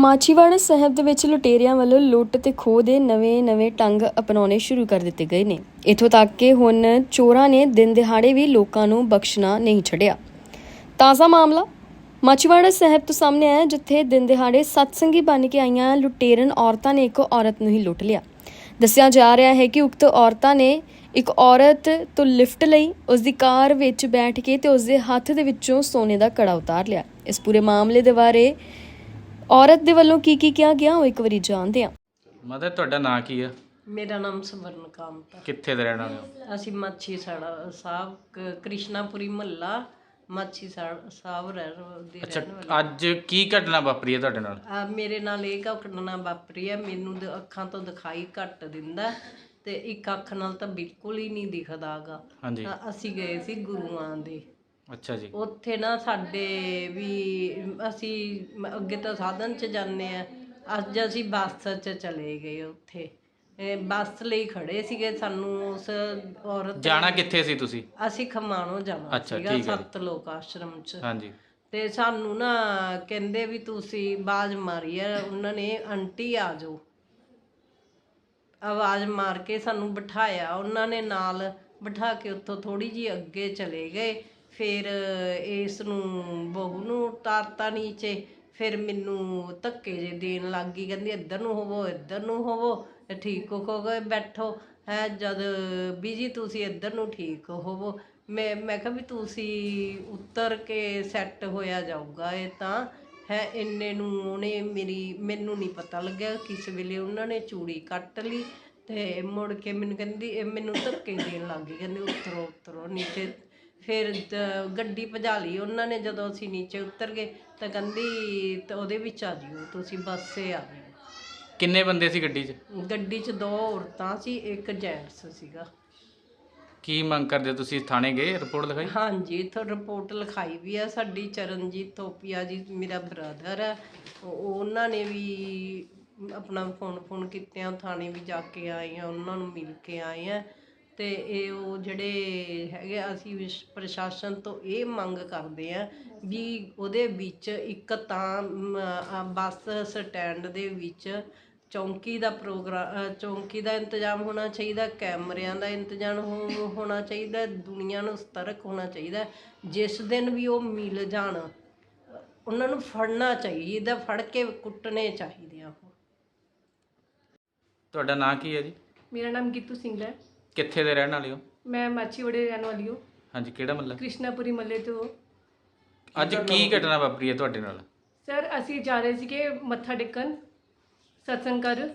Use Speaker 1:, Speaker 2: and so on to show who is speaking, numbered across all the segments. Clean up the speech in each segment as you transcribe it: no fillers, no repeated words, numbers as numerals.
Speaker 1: ਮਾਛੀਵਾੜਾ ਸਾਹਿਬ ਦੇ ਵਿੱਚ ਲੁਟੇਰਿਆਂ ਵੱਲੋਂ ਲੁੱਟ ਤੇ ਖੋਹ ਦੇ ਨਵੇਂ ਢੰਗ ਅਪਣਾਉਣੇ ਸ਼ੁਰੂ ਕਰ ਦਿੱਤੇ ਗਏ ਨੇ। ਇੱਥੋਂ ਤੱਕ ਕਿ ਹੁਣ ਚੋਰਾਂ ਨੇ ਦਿਨ ਦਿਹਾੜੇ ਵੀ ਲੋਕਾਂ ਨੂੰ ਬਖਸ਼ਣਾ ਨਹੀਂ ਛੱਡਿਆ। ਤਾਜ਼ਾ ਮਾਮਲਾ ਮਾਛੀਵਾੜਾ ਸਾਹਿਬ ਤੋਂ ਸਾਹਮਣੇ ਆਇਆ, ਜਿੱਥੇ ਦਿਨ ਦਿਹਾੜੇ ਸਤਸੰਗੀ ਬਣ ਕੇ ਆਈਆਂ ਲੁਟੇਰਨ ਔਰਤਾਂ ਨੇ ਇੱਕ ਔਰਤ ਨੂੰ ਹੀ ਲੁੱਟ ਲਿਆ। ਦੱਸਿਆ ਜਾ ਰਿਹਾ ਹੈ ਕਿ ਉਕਤ ਔਰਤਾਂ ਨੇ ਇੱਕ ਔਰਤ ਤੋਂ ਲਿਫਟ ਲਈ, ਉਸ ਦੀ ਕਾਰ ਵਿੱਚ ਬੈਠ ਕੇ ਤੇ ਉਸ ਦੇ ਹੱਥ ਦੇ ਵਿੱਚੋਂ ਸੋਨੇ ਦਾ ਕੜਾ ਉਤਾਰ ਲਿਆ। ਇਸ ਪੂਰੇ ਮਾਮਲੇ ਦੇ ਬਾਰੇ ਔਰਤ ਦੇ ਵੱਲੋਂ ਕੀ ਕਿਹਾ ਗਿਆ ਉਹ ਇੱਕ ਵਾਰੀ ਜਾਣਦੇ ਹਾਂ।
Speaker 2: ਮਦਰ, ਤੁਹਾਡਾ ਨਾਂ ਕੀ ਆ?
Speaker 3: ਮੇਰਾ ਨਾਮ ਸਵਰਨ ਕਾਂਤ।
Speaker 2: ਕਿੱਥੇ ਦੇ ਰਹਿਣ ਵਾਲੇ ਹੋ?
Speaker 3: ਅਸੀਂ ਮਾਛੀ ਸਾੜਾ ਸਾਹਿਬ ਕ੍ਰਿਸ਼ਨਾਪੁਰੀ ਮਹੱਲਾ ਮਾਛੀ ਸਾਹਿਬ ਰਹਿਣ ਵਾਲੇ।
Speaker 2: ਅੱਛਾ, ਅੱਜ ਕੀ ਘਟਨਾ ਵਾਪਰੀ ਹੈ ਤੁਹਾਡੇ ਨਾਲ?
Speaker 3: ਮੇਰੇ ਨਾਲ ਇਹ ਘਟਨਾ ਵਾਪਰੀ ਹੈ। ਮੈਨੂੰ ਅੱਖਾਂ ਤੋਂ ਦਿਖਾਈ ਘੱਟ ਦਿੰਦਾ ਤੇ ਇੱਕ ਅੱਖ ਨਾਲ ਤਾਂ ਬਿਲਕੁਲ ਹੀ ਨਹੀਂ ਦਿਖਦਾਗਾ।
Speaker 2: ਹਾਂਜੀ।
Speaker 3: ਅਸੀਂ ਗਏ ਸੀ ਗੁਰੂਆਂ ਦੇ।
Speaker 2: ਅੱਛਾ ਜੀ।
Speaker 3: ਉੱਥੇ ਨਾ ਸਾਡੇ ਵੀ ਅਸੀਂ ਅੱਗੇ ਤਾਂ ਸਾਧਨ 'ਚ ਜਾਂਦੇ ਆ, ਅੱਜ ਅਸੀਂ ਬੱਸ 'ਚ ਚਲੇ ਗਏ। ਉੱਥੇ ਬੱਸ ਲਈ ਖੜੇ ਸੀਗੇ। ਸਾਨੂੰ ਉਸ ਔਰਤ
Speaker 2: ਜਾਣਾ ਕਿੱਥੇ ਸੀ ਤੁਸੀਂ?
Speaker 3: ਅਸੀਂ ਖਮਾਣੋਂ ਜਾਣਾ ਸੀਗਾ, ਸੱਤ ਲੋਕ ਆਸ਼ਰਮ 'ਚ।
Speaker 2: ਹਾਂਜੀ। ਤੇ
Speaker 3: ਸਾਨੂੰ ਨਾ ਕਹਿੰਦੇ ਵੀ ਤੁਸੀਂ ਆਵਾਜ਼ ਮਾਰੀ ਆ ਉਹਨਾਂ ਨੇ, ਆਂਟੀ ਆ ਜਾਓ। ਆਵਾਜ਼ ਮਾਰ ਕੇ ਸਾਨੂੰ ਬਿਠਾਇਆ ਉਹਨਾਂ ਨੇ, ਨਾਲ ਬਿਠਾ ਕੇ ਉੱਥੋਂ ਥੋੜੀ ਜਿਹੀ ਅੱਗੇ ਚਲੇ ਗਏ। ਫਿਰ ਇਸ ਨੂੰ ਬਹੂ ਨੂੰ ਉਤਾਰਤਾ ਨੀਚੇ। ਫਿਰ ਮੈਨੂੰ ਧੱਕੇ ਜੇ ਦੇਣ ਲੱਗ ਗਈ, ਕਹਿੰਦੀ ਇੱਧਰ ਨੂੰ ਹੋਵੋ, ਇੱਧਰ ਨੂੰ ਹੋਵੋ, ਠੀਕ ਹੋ ਗਏ ਬੈਠੋ ਹੈ। ਜਦ ਬੀਜੀ ਤੁਸੀਂ ਇੱਧਰ ਨੂੰ ਠੀਕ ਹੋਵੋ। ਮੈਂ ਕਿਹਾ ਵੀ ਤੁਸੀਂ ਉੱਤਰ ਕੇ ਸੈੱਟ ਹੋਇਆ ਜਾਊਗਾ ਇਹ ਤਾਂ ਹੈ। ਇੰਨੇ ਨੂੰ ਉਹਨੇ ਮੈਨੂੰ ਨਹੀਂ ਪਤਾ ਲੱਗਿਆ ਕਿਸ ਵੇਲੇ ਉਹਨਾਂ ਨੇ ਚੂੜੀ ਕੱਟ ਲਈ ਤੇ ਮੁੜ ਕੇ ਮੈਨੂੰ ਕਹਿੰਦੀ, ਮੈਨੂੰ ਧੱਕੇ ਦੇਣ ਲੱਗ ਗਈ, ਕਹਿੰਦੀ ਉਤਰੋ ਨੀਚੇ। ਫਿਰ ਗੱਡੀ ਭਜਾ ਲਈ ਉਹਨਾਂ ਨੇ। ਜਦੋਂ ਅਸੀਂ ਨੀਚੇ ਉਤਰ ਗਏ ਤਾਂ ਕਹਿੰਦੀ ਤਾਂ ਉਹਦੇ ਵਿੱਚ ਆ ਜਿਓ ਤੁਸੀਂ, ਬੱਸੇ ਆ ਜਿਓ।
Speaker 2: ਕਿੰਨੇ ਬੰਦੇ ਸੀ ਗੱਡੀ 'ਚ?
Speaker 3: ਗੱਡੀ 'ਚ 2 ਔਰਤਾਂ ਸੀ, ਇੱਕ ਜੈਂਟਸ ਸੀਗਾ।
Speaker 2: ਕੀ ਮੰਗ ਕਰਦੇ ਹੋ ਤੁਸੀਂ? ਥਾਣੇ ਗਏ, ਰਿਪੋਰਟ ਲਿਖਾਈ?
Speaker 3: ਹਾਂਜੀ, ਇੱਥੋਂ ਰਿਪੋਰਟ ਲਿਖਾਈ ਵੀ ਆ। ਸਾਡੀ ਚਰਨਜੀਤ ਥੋਪੀਆ ਜੀ ਮੇਰਾ ਬ੍ਰਦਰ ਹੈ, ਉਹਨਾਂ ਨੇ ਵੀ ਆਪਣਾ ਫੋਨ ਕੀਤਿਆਂ ਥਾਣੇ ਵੀ ਜਾ ਕੇ ਆਏ ਆ, ਉਹਨਾਂ ਨੂੰ ਮਿਲ ਕੇ ਆਏ ਆ। ਤੇ ਇਹ ਉਹ ਜਿਹੜੇ ਹੈਗੇ, ਅਸੀਂ ਪ੍ਰਸ਼ਾਸਨ ਤੋਂ ਇਹ ਮੰਗ ਕਰਦੇ ਆ ਵੀ ਉਹਦੇ ਵਿੱਚ ਇੱਕ ਤਾਂ ਬੱਸ ਸਟੈਂਡ ਦੇ ਵਿੱਚ ਚੌਂਕੀ ਦਾ ਇੰਤਜ਼ਾਮ ਹੋਣਾ ਚਾਹੀਦਾ, ਕੈਮਰਿਆਂ ਦਾ ਇੰਤਜ਼ਾਮ ਹੋਣਾ ਚਾਹੀਦਾ, ਦੁਨੀਆ ਨੂੰ ਸਤਰਕ ਹੋਣਾ ਚਾਹੀਦਾ। ਜਿਸ ਦਿਨ ਵੀ ਉਹ ਮਿਲ ਜਾਣ ਉਹਨਾਂ ਨੂੰ ਫੜਨਾ ਚਾਹੀਦਾ, ਫੜ ਕੇ ਕੁੱਟਣੇ ਚਾਹੀਦੇ ਆ। ਉਹ
Speaker 2: ਤੁਹਾਡਾ ਨਾਂ ਕੀ ਹੈ ਜੀ?
Speaker 4: ਮੇਰਾ ਨਾਮ ਗੀਤੂ ਸਿੰਘ ਹੈ।
Speaker 2: ਕਿੱਥੇ ਦੇ ਰਹਿਣ ਵਾਲੇ ਹੋ?
Speaker 4: ਮੈਂ ਮਾਛੀਵਾੜੇ ਰਹਿਣ ਵਾਲੀ ਹਾਂ।
Speaker 2: ਹਾਂਜੀ, ਕਿਹੜਾ ਮਹੱਲਾ?
Speaker 4: ਕ੍ਰਿਸ਼ਨਾਪੁਰੀ ਮਹੱਲੇ ਤੋਂ।
Speaker 2: ਅੱਜ ਕੀ ਘਟਨਾ ਵਾਪਰੀ ਹੈ ਤੁਹਾਡੇ ਨਾਲ?
Speaker 4: ਸਰ, ਅਸੀਂ ਜਾ ਰਹੇ ਸੀਗੇ ਮੱਥਾ ਟੇਕਣ ਸਤਸੰਗ ਕਰ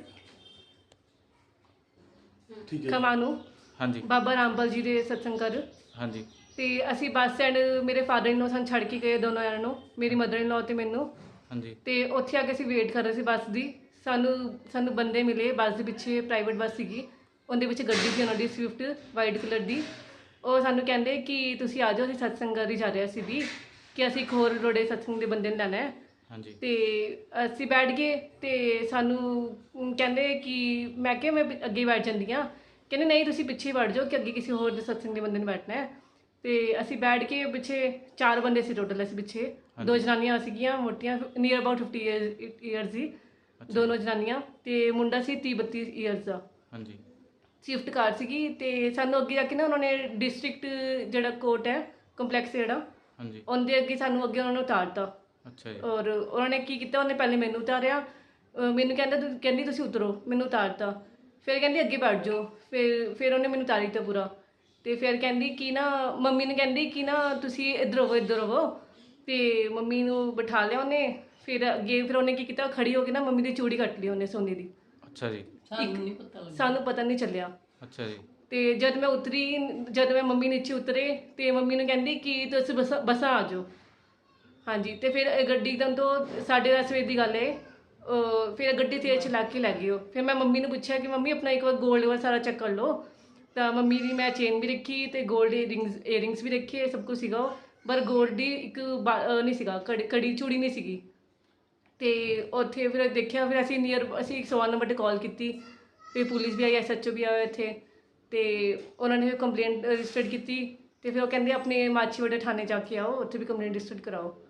Speaker 4: ਖਮਾਣੋਂ। ਹਾਂਜੀ, ਬਾਬਾ ਰਾਮਪਾਲ ਜੀ ਦੇ ਸਤਸੰਗ ਕਰ। ਹਾਂਜੀ। ਤੇ ਅਸੀਂ ਬੱਸ ਸਟੈਂਡ, ਮੇਰੇ ਫਾਦਰ ਇਨ ਲੋ ਸਾਨੂੰ ਛੱਡ ਕੇ ਗਏ ਦੋਨੋਂ ਜਣਿਆਂ ਨੂੰ, ਮੇਰੀ ਮਦਰ ਇਨ ਲੋ ਤੇ ਮੈਨੂੰ। ਹਾਂਜੀ। ਤੇ ਉੱਥੇ ਆ ਕੇ ਅਸੀਂ ਵੇਟ ਕਰ ਰਹੇ ਸੀ ਬੱਸ ਦੀ। ਸਾਨੂੰ ਬੰਦੇ ਮਿਲੇ ਬੱਸ ਦੇ ਪਿੱਛੇ, ਪ੍ਰਾਈਵੇਟ ਬੱਸ ਸੀਗੀ, ਉਹਦੇ ਵਿੱਚ ਗੱਡੀ ਸੀ ਉਹਨਾਂ ਦੀ ਸਵਿਫਟ ਵਾਈਟ ਕਲਰ ਦੀ। ਉਹ ਸਾਨੂੰ ਕਹਿੰਦੇ ਕਿ ਤੁਸੀਂ ਆ ਜਾਓ, ਅਸੀਂ ਸਤਸੰਗ ਕਰ ਹੀ ਜਾ ਰਹੇ ਸੀ ਵੀ, ਕਿ ਅਸੀਂ ਇੱਕ ਹੋਰ ਰੋੜੇ ਸਤਸੰਗ ਦੇ ਬੰਦੇ ਨੂੰ ਲੈਣਾ ਹੈ। ਹਾਂਜੀ। ਤੇ ਅਸੀਂ ਬੈਠ ਗਏ ਤੇ ਸਾਨੂੰ ਕਹਿੰਦੇ ਕਿ ਮੈਂ ਕਿਹਾ ਮੈਂ ਅੱਗੇ ਬੈਠ ਜਾਂਦੀ ਹਾਂ। ਕਹਿੰਦੇ ਨਹੀਂ, ਤੁਸੀਂ ਪਿੱਛੇ ਬੈਠ ਜਾਓ ਕਿ ਅੱਗੇ ਕਿਸੇ ਹੋਰ ਦੇ ਸਤਸੰਗ ਦੇ ਬੰਦੇ ਨੂੰ ਬੈਠਣਾ ਹੈ। ਤੇ ਅਸੀਂ ਬੈਠ ਕੇ ਪਿੱਛੇ 4 ਬੰਦੇ ਸੀ ਟੋਟਲ। ਅਸੀਂ ਪਿੱਛੇ 2 ਜਨਾਨੀਆਂ ਸੀਗੀਆਂ ਮੋਟੀਆਂ, ਨੀਅਰ ਅਬਾਊਟ 50 ਈਅਰਸ ਸੀ ਦੋਨੋਂ ਜਨਾਨੀਆਂ, ਤੇ ਮੁੰਡਾ ਸੀ 30-32 ਈਅਰਸ ਦਾ। ਹਾਂਜੀ। ਸਵਿਫਟ ਕਾਰ ਸੀਗੀ। ਤੇ ਸਾਨੂੰ ਅੱਗੇ ਜਾ ਕੇ ਨਾ ਉਹਨਾਂ ਨੇ ਡਿਸਟ੍ਰਿਕਟ ਜਿਹੜਾ ਕੋਰਟ ਹੈ, ਕੰਪਲੈਕਸ ਜਿਹੜਾ, ਹਾਂਜੀ, ਉਹਦੇ ਅੱਗੇ ਸਾਨੂੰ ਅੱਗੇ ਉਹਨਾਂ ਨੇ ਉਤਾਰਤਾ। ਅੱਛਾ ਜੀ। ਔਰ ਉਹਨਾਂ ਨੇ ਕੀ ਕੀਤਾ, ਉਹਨੇ ਪਹਿਲੇ ਮੈਨੂੰ ਉਤਾਰਿਆ, ਮੈਨੂੰ ਕਹਿੰਦੀ ਤੁਸੀਂ ਉਤਰੋ, ਮੈਨੂੰ ਉਤਾਰਤਾ। ਫਿਰ ਕਹਿੰਦੀ ਅੱਗੇ ਬੈਠ ਜਾਓ। ਫਿਰ ਉਹਨੇ ਮੈਨੂੰ ਉਤਾਰੀ ਦਿੱਤਾ ਪੂਰਾ। ਤੇ ਫਿਰ ਕਹਿੰਦੀ ਕਿ ਨਾ, ਮੰਮੀ ਨੇ ਕਹਿੰਦੀ ਕਿ ਨਾ ਤੁਸੀਂ ਇੱਧਰ ਹੋਵੋ। ਤੇ ਮੰਮੀ ਨੂੰ ਬਿਠਾ ਲਿਆ ਉਹਨੇ। ਫਿਰ ਅੱਗੇ ਉਹਨੇ ਕੀ ਕੀਤਾ, ਖੜੀ ਹੋ ਕੇ ਨਾ ਮੰਮੀ ਦੀ ਚੂੜੀ ਕੱਟ ਲਈ ਉਹਨੇ ਸੋਨੇ ਦੀ। ਅੱਛਾ ਜੀ। ਸਾਨੂੰ ਪਤਾ ਨਹੀਂ ਚੱਲਿਆ। ਅੱਛਾ ਜੀ। ਤੇ ਜਦ ਮੈਂ ਮੰਮੀ ਨੀਚੇ ਉਤਰੇ ਤੇ ਮੰਮੀ ਨੂੰ ਕਹਿੰਦੀ ਕਿ ਤੁਸੀਂ ਬੱਸਾਂ ਆ ਜਾਓ। ਹਾਂਜੀ। ਤੇ ਫਿਰ ਗੱਡੀ ਇੱਕਦਮ ਤੋਂ 10:30 ਵਜੇ ਦੀ ਗੱਲ ਹੈ, ਫਿਰ ਗੱਡੀ ਤੇਜ਼ ਚਲਾ ਕੇ ਲੈ ਗਈ ਉਹ। ਫਿਰ ਮੈਂ ਮੰਮੀ ਨੂੰ ਪੁੱਛਿਆ ਕਿ ਮੰਮੀ ਆਪਣਾ ਇੱਕ ਵਾਰ ਗੋਲਡ ਵਾਲਾ ਸਾਰਾ ਚੈੱਕ ਕਰ ਲਓ। ਤਾਂ ਮੰਮੀ ਦੀ ਮੈਂ ਚੇਨ ਵੀ ਰੱਖੀ ਤੇ ਗੋਲਡ ਏਅਰਿੰਗਸ ਵੀ ਰੱਖੇ, ਸਭ ਕੁਝ ਸੀਗਾ ਉਹ, ਪਰ ਗੋਲਡ ਦੀ ਇੱਕ ਨਹੀਂ ਸੀਗਾ, ਕੜੀ ਚੂੜੀ ਨਹੀਂ ਸੀਗੀ। ਤੇ ਉੱਥੇ ਫਿਰ ਦੇਖਿਆ, ਫਿਰ ਅਸੀਂ 101 ਨੰਬਰ 'ਤੇ ਕਾਲ ਕੀਤੀ। ਫਿਰ ਪੁਲਿਸ ਵੀ ਆਈ, SHO ਵੀ ਆਇਆ ਇੱਥੇ। ਤੇ ਉਹਨਾਂ ਨੇ ਫਿਰ ਕੰਪਲੇਂਟ ਰਜਿਸਟਰਡ ਕੀਤੀ। ਤੇ ਫਿਰ ਉਹ ਕਹਿੰਦੇ ਆਪਣੇ ਮਾਛੀਵਾੜਾ ਥਾਣੇ ਜਾ ਕੇ ਆਓ, ਉੱਥੇ ਵੀ ਕੰਪਲੇਂਟ ਰਜਿਸਟਰਡ ਕਰਾਓ।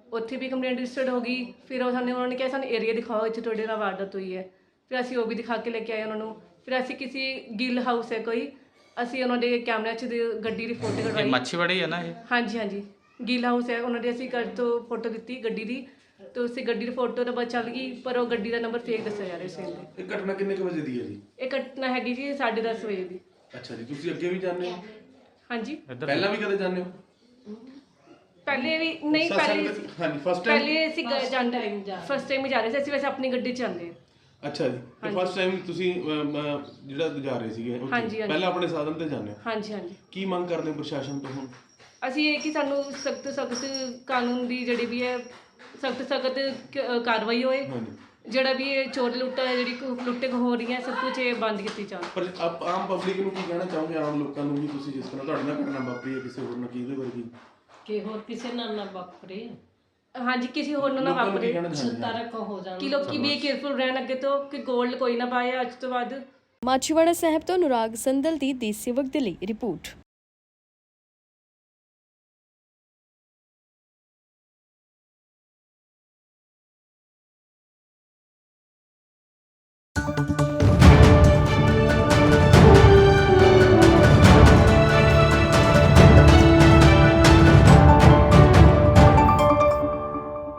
Speaker 4: ਉੱਥੇ ਵੀ ਕੰਪਲੇਂਟ ਰਜਿਸਟਰਡ ਹੋ ਗਈ। ਫਿਰ ਉਹ ਸਾਨੂੰ ਉਹਨਾਂ ਨੇ ਕਿਹਾ ਸਾਨੂੰ ਏਰੀਆ ਦਿਖਾਓ ਇੱਥੇ ਤੁਹਾਡੇ ਨਾਲ ਵਾਰਦਾਤ ਹੋਈ ਹੈ। ਫਿਰ ਅਸੀਂ ਉਹ ਵੀ ਦਿਖਾ ਕੇ ਲੈ ਕੇ ਆਏ ਉਹਨਾਂ ਨੂੰ। ਫਿਰ ਅਸੀਂ ਕਿਸੇ ਗਿੱਲ ਹਾਊਸ ਹੈ ਕੋਈ, ਅਸੀਂ ਉਹਨਾਂ ਦੇ ਕੈਮਰਿਆਂ 'ਚ ਗੱਡੀ ਦੀ ਫੋਟੋ
Speaker 2: ਇਹ
Speaker 4: ਕਢਵਾਈ।
Speaker 2: ਮੱਛੀਵਾੜੀ ਹੈ ਨਾ ਇਹ?
Speaker 4: ਹਾਂਜੀ ਹਾਂਜੀ, ਗਿੱਲ ਹਾਊਸ ਹੈ, ਉਹਨਾਂ ਦੇ ਅਸੀਂ ਘਰ ਤੋਂ ਫੋਟੋ ਦਿੱਤੀ ਗੱਡੀ ਦੀ, ਤੇ ਉਸੇ ਗੱਡੀ ਦੀ ਫੋਟੋ ਤਾਂ ਬਸ ਚੱਲ ਗਈ, ਪਰ ਉਹ ਗੱਡੀ ਦਾ ਨੰਬਰ ਫੇਕ ਦੱਸਿਆ ਜਾ ਰਿਹਾ ਸੀ ਇਹਦੇ।
Speaker 5: ਇਹ ਘਟਨਾ ਕਿੰਨੇ ਕੁ ਵਜੇ ਦੀ ਹੈ ਜੀ?
Speaker 4: ਇਹ ਘਟਨਾ ਹੈਗੀ ਜੀ 10:30 ਵਜੇ ਦੀ।
Speaker 5: ਅੱਛਾ ਜੀ, ਤੁਸੀਂ ਅੱਗੇ ਵੀ ਜਾਂਦੇ ਹੋ?
Speaker 4: ਹਾਂਜੀ,
Speaker 5: ਪਹਿਲਾਂ ਵੀ ਕਦੇ ਜਾਂਦੇ ਹੋ?
Speaker 4: ਪਹਿਲੇ ਵੀ ਨਹੀਂ, ਪਹਿਲੇ
Speaker 5: ਹਾਂਜੀ, ਫਸਟ ਟਾਈਮ?
Speaker 4: ਪਹਿਲੇ ਅਸੀਂ ਜਾਂਦੇ ਫਸਟ ਟਾਈਮ ਹੀ ਜਾ ਰਹੇ ਸੀ, ਅਸੀਂ ਵੈਸੇ ਆਪਣੀ ਗੱਡੀ 'ਚ ਜਾਂਦੇ ਹਾਂ।
Speaker 5: ਅੱਛਾ ਜੀ, ਤੇ ਫਸਟ ਟਾਈਮ ਤੁਸੀਂ ਜਿਹੜਾ ਜਾ ਰਹੇ ਸੀਗੇ ਉੱਥੇ,
Speaker 4: ਹਾਂਜੀ, ਹਾਂਜੀ।
Speaker 5: ਪਹਿਲਾਂ ਆਪਣੇ ਸਾਧਨ ਤੇ ਜਾਂਦੇ ਹੋ?
Speaker 4: ਹਾਂਜੀ ਹਾਂਜੀ,
Speaker 5: ਕੀ ਮੰਗ ਕਰਦੇ ਹੋ ਪ੍ਰਸ਼ਾਸਨ ਤੋਂ ਹੁਣ?
Speaker 4: ਅਸੀਂ ਇਹ ਕਿ ਸਾਨੂੰ ਸਖਤ ਕਾਨੂੰਨ ਦੀ ਜਿਹੜੀ ਵੀ ਹੈ ਸਖਤ ਕਾਰਵਾਈ ਹੋਏ।
Speaker 5: ਹਾਂਜੀ,
Speaker 4: ਜਿਹੜਾ ਵੀ ਇਹ ਚੋਰ ਲੁੱਟਾ ਜਿਹੜੀ ਲੁੱਟੇ ਹੋ ਰਹੀਆਂ ਸਭ ਕੁਝ ਇਹ ਬੰਦ ਕੀਤੀ ਜਾਵੇ।
Speaker 5: ਪਰ ਆਮ ਪਬਲਿਕ ਨੂੰ ਕੀ ਕਹਿਣਾ ਚਾਹੋਗੇ, ਆਮ ਲੋਕਾਂ ਨੂੰ ਵੀ? ਤੁਸੀਂ ਜਿਸ ਤਰ੍ਹਾਂ ਤੁਹਾਡੇ ਨਾਲ ਘਟਨਾ ਵਾਪਰੀ ਹੈ, ਕਿਸੇ ਹੋਰ ਨਾਲ ਕੀ ਇਹਦੇ ਵਰਗੀ?
Speaker 3: ਕਿ ਹੋਰ ਕਿਸੇ ਨਾਲ ਨਾ ਵਾਪਰੇ,
Speaker 4: ਹਾਂਜੀ, ਕਿਸੇ ਹੋਰ ਨੂੰ ਨਾ
Speaker 5: ਲੋਕਾਂ ਨੂੰ ਕੀ
Speaker 4: ਵਾਪਰੇ,
Speaker 5: ਕਹਿਣਾ ਚਾਹੁੰਦੇ ਹੋ?
Speaker 3: ਤਰਕ ਹੋ ਜਾਣ।
Speaker 4: ਕਿ ਲੋਕੀ ਵੀ ਕੇਅਰਫੁਲ ਰਹਿਣ ਅੱਗੇ ਤੋਂ, ਕਿ ਗੋਲਡ ਕੋਈ ਨਾ ਪਾਏ ਅੱਜ ਤੋਂ ਬਾਅਦ।
Speaker 1: ਮਾਛੀਵਾੜਾ ਸਾਹਿਬ ਤੋਂ ਅਨੁਰਾਗ ਸੰਦਲ ਦੀ ਦੇਸ਼ ਸੇਵਕ ਦੇ ਲਈ ਰਿਪੋਰਟ।